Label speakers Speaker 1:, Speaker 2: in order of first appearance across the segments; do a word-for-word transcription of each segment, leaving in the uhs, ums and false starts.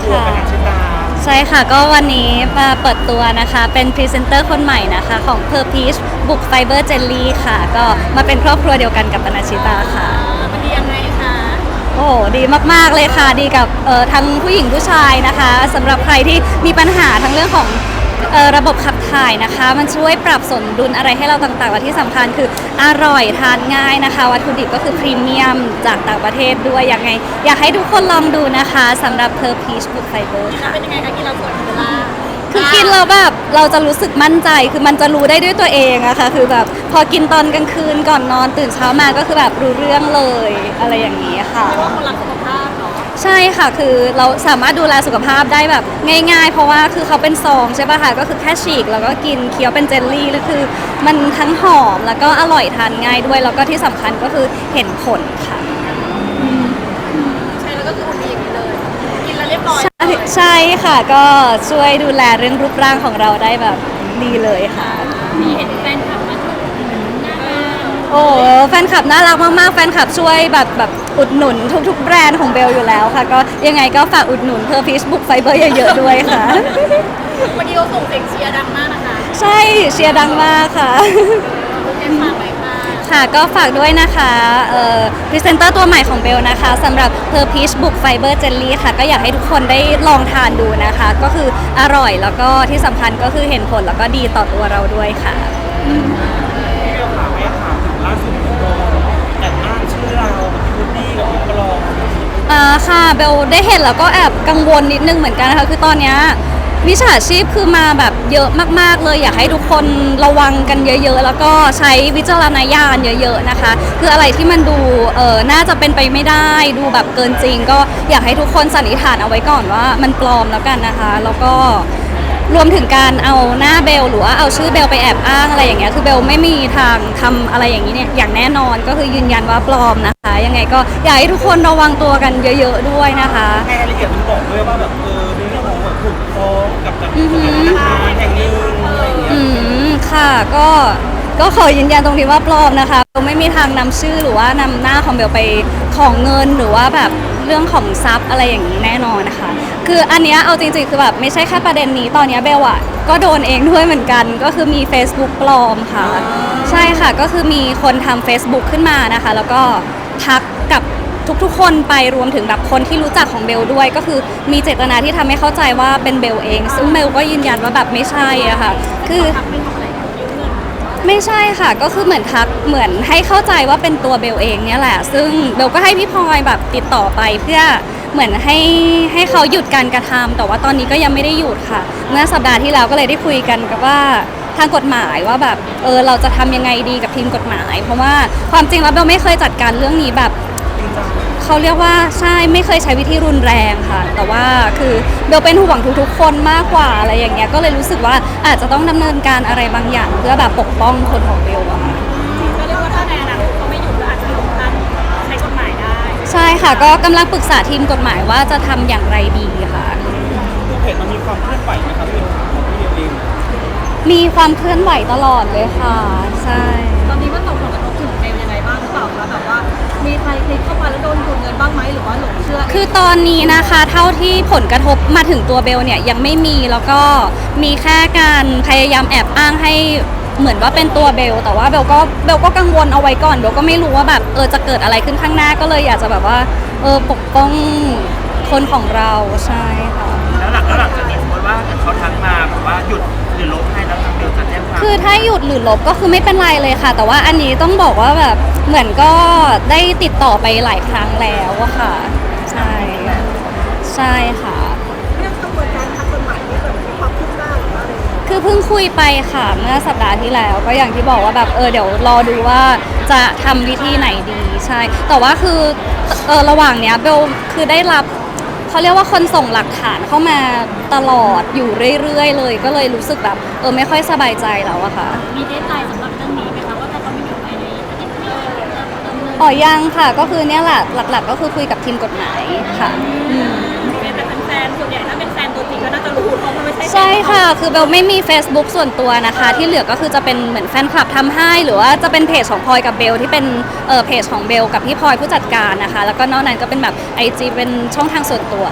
Speaker 1: ตัวเป็นอาชิตา
Speaker 2: ใช่ค่ะก็วันนี้มาเปิดตัวนะคะเป็นพรีเซนเตอร์คนใหม่นะคะของ Per Peach บุกไฟเบอร์เจลลี่ค่ะก็มาเป็นครอบครัวเดียวกันกับปนัญชิตาค่ะ
Speaker 3: มันดียังไงคะ
Speaker 2: โอ้ดีมากๆเลยค่ะดีกับเอ่อทั้งผู้หญิงผู้ชายนะคะสำหรับใครที่มีปัญหาทั้งเรื่องของเอ่อระบบขับถ่ายนะคะมันช่วยปรับสมดุลอะไรให้เราต่างๆและที่สำคัญคืออร่อยทานง่ายนะคะวัตถุดิบก็คือพรีเมียมจากต่างประเทศด้วยยังไงอยากให้ทุกคนลองดูนะคะสำหรับ Per Peach บุกไฟเบอร์ค่ะ
Speaker 3: เป็นยังไงคะกินเราสวยเวลา
Speaker 2: คือกินแล้วแบบเราจะรู้สึกมั่นใจคือมันจะรู้ได้ด้วยตัวเองอะค่ะคือแบบพอกินตอนกลางคืนก่อนนอนตื่นเช้ามาก็คือแบบรู้เรื่องเลยอะไรอย่างนี้ค่ะ
Speaker 3: เรียกว่าคนรักสุขภาพเนาะ
Speaker 2: ใช่ค่ะคือเราสามารถดูแลสุขภาพได้แบบง่ายๆเพราะว่าคือเขาเป็นซองใช่ป่ะคะก็คือแค่ฉีกแล้วก็กินเคี้ยวเป็นเจลลี่แล้วคือมันทั้งหอมแล้วก็อร่อยทานง่ายด้วยแล้วก็ที่สำคัญก็คือเห็นผลค่ะ
Speaker 3: ใช่แล้วก็คือคนดีอย่างนี้เลยกินแล้วเรียบร้อย
Speaker 2: ใช่ใช่ค่ะก็ช่วยดูแลเรื่องรูปร่างของเราได้แบบดีเลยค่ะ
Speaker 3: มีเห็นแฟนคลับมาชม
Speaker 2: โอ้แฟนคลับน่ารักมากๆแฟนคลับช่วยแบบแบบอุดหนุนทุกๆแบรนด์ของเบลอยู่แล้วค่ะก็ยังไงก็ฝากอุดหนุน Per Peach บุกไฟเบอร์เยอะๆด้วยค่ะ
Speaker 3: วันนี้เขาส่งเสียงเชียร์ดังมากนะคะ
Speaker 2: ใช่เชียร์ดังมากค่ะ
Speaker 3: เอ็มฝากไปค่ะ
Speaker 2: ค่ะก็ฝากด้วยนะคะเอ่อพรีเซนเตอร์ตัวใหม่ของเบลนะคะสำหรับ Per Peach บุกไฟเบอร์เจลลี่ค่ะก็อยากให้ทุกคนได้ลองทานดูนะคะก็คืออร่อยแล้วก็ที่สำคัญก็คือเห็นผลแล้วก็ดีต่อตัวเราด้วยค่ะ
Speaker 1: ที่เราถามไม่ถามถึงล่าสุดโดนแอบอ้างชื่อเราคูดดี้กับพี่ปลอม
Speaker 2: อ่าค่ะเบลได้เห็นแล้วก็แอบกังวลนิดนึงเหมือนกันนะคะคือตอนนี้มิจฉาชีพคือมาแบบเยอะมากๆเลยอยากให้ทุกคนระวังกันเยอะๆแล้วก็ใช้วิจารณญาณเยอะๆนะคะคืออะไรที่มันดูเออน่าจะเป็นไปไม่ได้ดูแบบเกินจริงก็อยากให้ทุกคนสันนิษฐานเอาไว้ก่อนว่ามันปลอมแล้วกันนะคะแล้วก็รวมถึงการเอาหน้าเบลหรือว่าเอาชื่อเบลไปแอบอ้างอะไรอย่างเงี้ยคือเบลไม่มีทางทำอะไรอย่างนี้เนี่ยอย่างแน่นอนก็คือยืนยันว่าปลอมนะคะยังไงก็อยากให้ทุกคนระวังตัวกันเยอะๆด้วยนะคะ
Speaker 1: ในรายละเอียดมันบอกด้วยว่าแบบเออมีเรื่องของแบบถูกฟ้องกับกับธนาคารแห่งหนึ่งอะไรอย่างเงี้ย
Speaker 2: อืมค่ะก็ก็ขอยืนยันตรงนี้ว่าปลอมนะคะเบลไม่มีทางนำชื่อหรือว่านำหน้าของเบลไปของเงินหรือว่าแบบเรื่องของทรัพย์อะไรอย่างนี้แน่นอนนะคะคืออันเนี้ยเอาจริงๆคือแบบไม่ใช่แค่ประเด็นนี้ตอนนี้เบลอะก็โดนเองด้วยเหมือนกันก็คือมี Facebook ปลอมค่ะใช่ค่ะก็คือมีคนทำ Facebook ขึ้นมานะคะแล้วก็ทักกับทุกๆคนไปรวมถึงแบบคนที่รู้จักของเบลด้วยก็คือมีเจตนาที่ทำให้เข้าใจว่าเป็นเบลเองซึ่งเบลก็ยืนยันว่าแบบไม่ใช่อะค่ะคือไม่ใช่ค่ะก็คือเหมือนทักเหมือนให้เข้าใจว่าเป็นตัวเบลเองเนี่ยแหละซึ่งเบลก็ให้พี่พลอยแบบติดต่อไปเพื่อเหมือนให้ให้เขาหยุดการกระทำแต่ว่าตอนนี้ก็ยังไม่ได้หยุดค่ะเมื่อสัปดาห์ที่แล้วก็เลยได้คุยกันกับว่าทางกฎหมายว่าแบบเออเราจะทำยังไงดีกับทีมกฎหมาย เพราะว่าความจริงแล้วเบลไม่เคยจัดการเรื่องนี้แบบเขาเรียกว่าใช่ไม่เคยใช้วิธีรุนแรงค่ะแต่ว่าคือเบลเป็นห่วงทุกๆคนมากกว่าอะไรอย่างเงี้ยก็เลยรู้สึกว่าอาจจะต้องดำเนินการอะไรบางอย่างเพื่อแบบปกป้องคนของเบลอะค่ะ
Speaker 3: ก็เรียกว่าถ้าในอนาคตเขาไม่หยุดก็อาจจะลงทันใช้กฎหมายได้
Speaker 2: ใช่ค่ะก็กำลังปรึกษาทีมกฎหมายว่าจะทำอย่างไรดีค่ะ
Speaker 1: คือเพจมันมีความเคลื่อนไหวนะครับพี่ของพี่เอง
Speaker 2: มีความเคลื่อนไหวตลอดเลยค่ะใช่
Speaker 3: ตอนนี้มันส่งผลกระทบถึงเบลยังไงบ้างหรือเปล่าคะแบบว่ามีใครคลิกเข้ามาแล้วโดนดูดเงินบ้างไหมหรือว่าหลงเชื่อ
Speaker 2: คือตอนนี้นะคะเท่าที่ผลกระทบมาถึงตัวเบลเนี่ยยังไม่มีแล้วก็มีแค่การพยายามแอบอ้างให้เหมือนว่าเป็นตัวเบลแต่ว่าเบลก็เบลก็กังวลเอาไว้ก่อนเบลก็ไม่รู้ว่าแบบเออจะเกิดอะไรขึ้นข้างหน้าก็เลยอยากจะแบบว่าเออปกป้องคนของเราใช่ค่ะ
Speaker 1: แล้วหลังแล้วหลังจากนี้สมมติว่าเขาทักมาแบบว่าหยุดหรือลบให้แล้วทางเบลจะแจ้งความ
Speaker 2: คือถ้าหยุดหรือลบก็คือไม่เป็นไรเลยค่ะแต่ว่าอันนี้ต้องบอกว่าแบบเหมือนก็ได้ติดต่อไปหลายครั้งแล้วอะค่ะใช่ใช่ค่ะ
Speaker 3: เรื่องกระบวนการทางกฎหมายนี่แบบมีความคืบหน้าหรือว่าอะไร
Speaker 2: คือเพิ่งคุยไปค่ะเมื่อสัปดาห์ที่แล้วก็อย่างที่บอกว่าแบบเออเดี๋ยวรอดูว่าจะทำวิธีไหนดีใช่แต่ว่าคือเออระหว่างเนี้ยเบลคือได้รับเขาเรียกว่าคนส่งหลักฐานเข้ามาตลอดอยู่เรื่อยๆเลยก็เลยรู้สึกแบบเออไม่ค่อยสบายใจแล้วอะค่ะ
Speaker 3: มีเดทไลน์สำหรับเรื่องนี้ไหมคะว่าถ้าเขาไม่อยู่ภายในอาทิตย์นี้จะดำเนิน
Speaker 2: อ๋อยังค่ะก็คือเนี่ยแหละหลักๆก็คือคุยกับทีมกฎหมายค่ะ
Speaker 3: แต่เป็นแฟนส่วนใหญ่ถ้าเป็นแฟนตัวจริงก็น่าจะรู้เพราะมันไม่ใช่
Speaker 2: ใช่ค่ะคือเบลไม่มี Facebook ส่วนตัวนะคะที่เหลือก็คือจะเป็นเหมือนแฟนคลับทำให้หรือว่าจะเป็นเพจของพลอยกับเบลที่เป็นเออเพจของเบลกับพี่พลอยผู้จัดการนะคะแล้วก็นอกนั้นก็เป็นแบบ ไอ จี เป็นช่องทางส่วนตัวค่ะ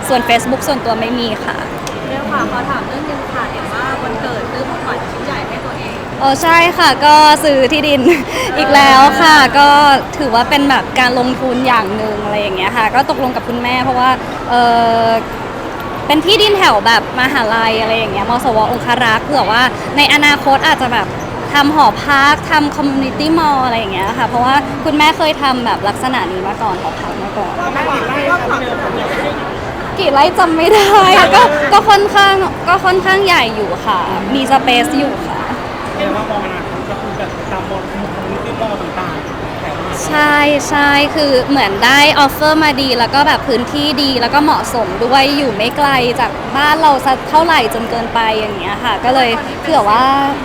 Speaker 2: ส่วน Facebook ส่วนตัวไม่มีค่ะ
Speaker 3: เรื่องค่ะขอถามเรื่องหนึงค่ะเห็นว่าวันเกิดซื้อของขวัญชิ้นใหญ่ให้ตัวเอง
Speaker 2: โอ้ใช่ค่ะก็ซื้อที่ดิน อีกแล้วค่ะ ก็ถือว่าเป็นแบบการลงทุนอย่างหนึ่งอะไรอย่างเงี้ยค่ะ ก็ตกลงกับคุณแม่เพราะว่าเออเป็นที่ดินแถวแบบมหาลัยอะไรอย่างเงี้ยมสวองคารักษ์เผื่อว่าในอนาคตอาจจะแบบทำหอพักทำคอมมูนิตี้มอลอะไรอย่างเงี้ยค่ะเพราะว่าคุณแม่เคยทำแบบลักษณะนี้มาก่อนหอพักมาก่อน
Speaker 1: แม่ติดไล่ค่ะพี่เบลผมอยากให้
Speaker 2: กี่ไร่จำไม่ได้อะก็ก็ค่อนข้างก็ค่อนข้างใหญ่อยู่ค่ะ มีสเปซอยู่ค่ะ
Speaker 1: เรียกว่ามองอนาคตก็คือแบบตามมอลล์คอมมูนิตี้มอลล์ต่างๆแถวมหาลัย
Speaker 2: ใช่ใช่คือเหมือนได้ออฟเฟอร์มาดีแล้วก็แบบพื้นที่ดีแล้วก็เหมาะสมด้วยอยู่ไม่ไกลจากบ้านเราสักเท่าไหร่จนเกินไปอย่างเงี้ยค่ะ ก็เลยเผื่อว่า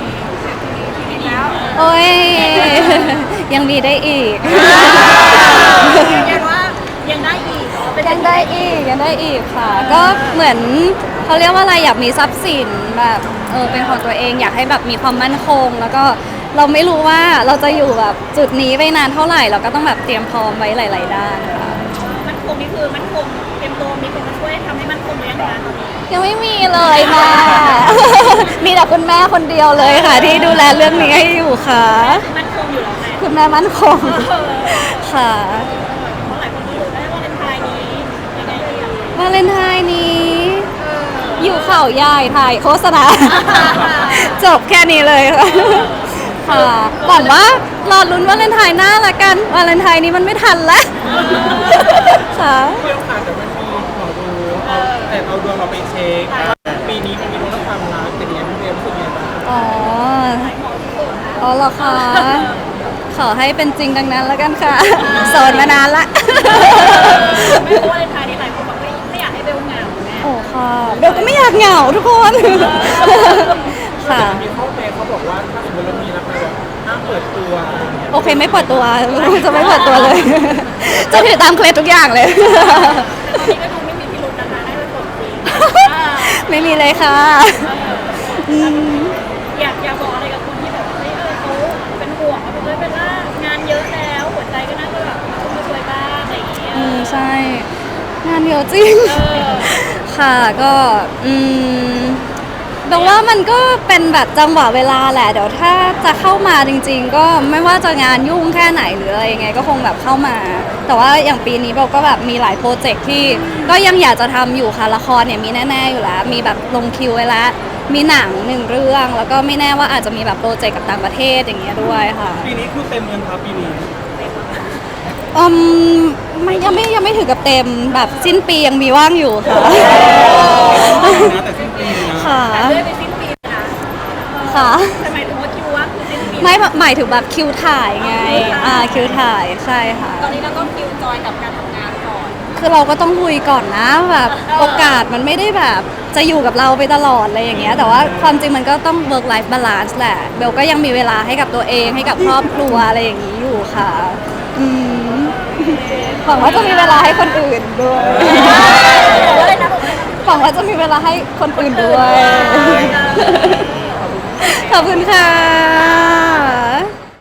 Speaker 2: โอ้ย ยังมีได้อีก
Speaker 3: ยืนยันว่ายังได้อีกเหรอเป็น
Speaker 2: ยังได้อีกยังได้อีกค่ะ ก็เหมือนเขาเรียกว่าอะไรอยากมีทรัพย์สินแบบเออเป็นของตัวเองอยากให้แบบมีความมั่นคง แล้วก็เราไม่รู้ว่าเราจะอยู่แบบจุดนี้ไปนานเท่าไหร่เราก็ต้องแบบเตรียมพร้อมไว้หลาย ๆ ด้านค่ะ
Speaker 3: มันคงนี่คือมันคงเตรียมตัวมีคนมาช่วยทำให้มันคงหรือยังคะตอนนี้
Speaker 2: ยังไม่มีเลยค่ะ มีแต่คุณแม่คนเดียวเลยค่ะ ที่ดูแลเรื่องนี้ให้อยู่ค่ะ
Speaker 3: มันคงอยู่แล้วไง
Speaker 2: คุณแม่มั่นคงค่ะ
Speaker 3: เพราะหลายคนก็รู้ได้ว่าเลนไทายนี้ยังไงดีอะ
Speaker 2: วาเลนไทน์นี้ อยู่เข่าใหญ่ถ่ายโฆษณา จบแค่นี้เลยค่ะ ค่ะหวังว่ารอลุ้นวาเลนไทน์หน้าละกัน วาเลนไทน์นี้มันไม่ทันแล้ว ค่ะ
Speaker 1: เรื่องค่ะแต่มันมีหมอดูเอาแต่เอาดวงเราไปเช็คปีนี้มันมีเรื่องความรักเป็นยังไงพี่เบลรู้สึกยังไงบ้าง
Speaker 2: อ๋อ อ๋อเหรอคะ ขอให้เป็นจริงดังนั้นแล้วกันค่ะ โสดมานานละ
Speaker 3: ไม่รู้ว่าเลนไทายนี้หลายคนบอกไม่ไม่อยากให้เบลเหงาแม่
Speaker 2: โอ้ค่ะเบลก็ไม่อยากเหงาทุกคน ค่ะ
Speaker 1: มีข้อแม้เขาบอกว่าถ้าสมมติเรามีรักแล้วห้ามเปิดตัวอะไรอย่างเงี้ย
Speaker 2: โอเคไม่เปิดตัว จะไม่เปิดตัวเลย จะถือตามเคล็ดทุกอย่างเลย
Speaker 3: ตอนนี้ก็ดูไม่มีพิรุธนะคะได้ไปกดจริง
Speaker 2: ไม่มีเลยค่ะอืม
Speaker 3: อยากอยากบอกอะไรกับคนที่แบบเฮ้ยเออเขาเป็นห่วงเขาเป็นเลยเป็นว่างานเยอะแล้วหัวใจก็น่าจะแบบมาช่วยบ้างอะไรอย่างเงี้ย
Speaker 2: อืมใช่ งานเยอะจริง
Speaker 3: เออ
Speaker 2: ค่ะก็อืมแปลว่ามันก็เป็นแบบจังหวะเวลาแหละเดี๋ยวถ้าจะเข้ามาจริง ๆ ก็ไม่ว่าจะงานยุ่งแค่ไหนหรืออะไรยังไงก็คงแบบเข้ามา แต่ว่าอย่างปีนี้เบลก็แบบมีหลายโปรเจกต์ที่ก็ยังอยากจะทำอยู่ค่ะละครเนี่ยมีแน่ๆอยู่แล้ว มีแบบลงคิวไว้แล้ว มีหนังหนึ่งเรื่อง แล้วก็ไม่แน่ว่าอาจจะมีแบบโปรเจกต์กับต่างประเทศอย่างเงี้ยด้วยค่ะ
Speaker 1: ปีนี้คือเต็มเงินครับปีนี้
Speaker 2: อืมไม่ยังไม่ยังไม่ถึงกับเต็มแบบสิ้นปียังมีว่างอยู่ค่ะ
Speaker 1: นะแต่สิ้นปีนะ
Speaker 2: ค่ะ
Speaker 3: เรื่อยไปสิ้นปีนะ
Speaker 2: ค่ะ
Speaker 3: แต่หมายถึงว่าคิวว่างคือสิ้นปี
Speaker 2: ไม่หมายถึงแบบคิวถ่ายไง อ่าคิวถ่ายใช่ค่ะ
Speaker 3: ตอนนี้เราก็คิวจอยกับการทำงานก่อน
Speaker 2: คือเราก็ต้องลุยก่อนนะแบบโอกาสมันไม่ได้แบบจะอยู่กับเราไปตลอดอะไรอย่างเงี้ย แต่ว่าความจริงมันก็ต้อง work life balance แหละ เบลก็ยังมีเวลาให้กับตัวเองให้กับครอบครัวอะไรอย่างนี้อยู่ค่ะ อืมหวังว่าจะมีเวลาให้คนอื่นด้วย
Speaker 3: อะไรนะ
Speaker 2: หวังว่าจะมีเวลาให้คนอื่นด้วย ขอบคุณค่ะ